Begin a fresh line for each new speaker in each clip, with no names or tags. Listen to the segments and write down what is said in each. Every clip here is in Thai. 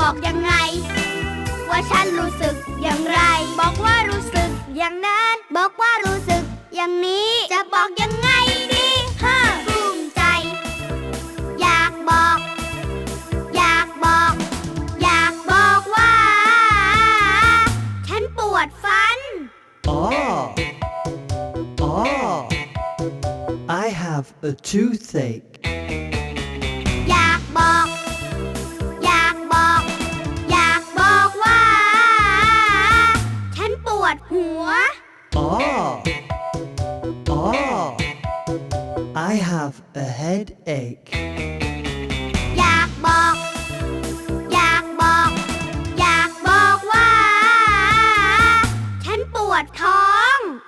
บอกยังไงว่าฉันรู้สึกอย่างไรบอกว่ารู้สึกอย่างนั้นบอกว่ารู้สึกอย่างนี้จะบอกยังไงดีภูมิใจอยากบอกอยากบอกอยากบอกว่าฉันปวดฟัน
I have a toothache
อยากบอกอยากบอกอยากบอกว่าฉันปวดหัว
I have a headache
อยากบอกอยากบอกอยากบอกว่าฉันปวดท้อง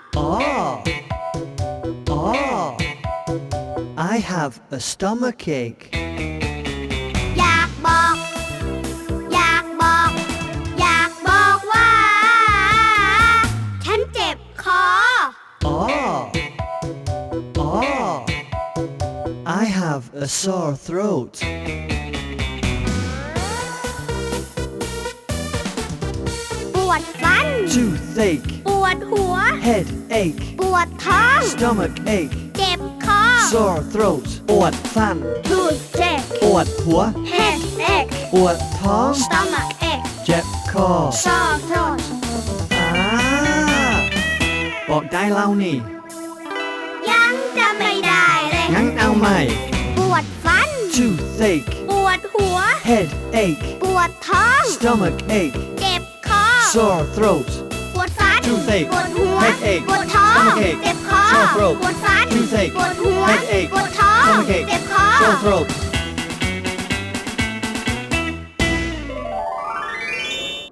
I have a stomachache
อยากบอกอยากบอกอยากบอกว่าฉันเจ็บคอ
I have a sore throat
ปวดฟัน
toothache
ปวดหัว
headache
ปวดท้อง
stomachache
เจ็บคอ
sore throat ปวดฟัน
toothache
ปวดหัว
headache
ปวดท้อง
stomachache
เจ็บคอ
sore throat
บอกได้แล้วนี่
ยังจะไม่ได้เลย
งั้นเอาใหม่
ปวดฟัน
toothache
ปวดหัว
headache
ปวดท้อง
stomachache
เจ็บคอ
sore throat
ปวดฟัน
toothache
ปวดหัว
headache
ปวดท้อง
stomachache
เจ็บคอ
sore throat
ปวดฟัน
toothache
ปวดหัว
headache
ปวดท้อง
stomachache
เจ็บคอ
sore throat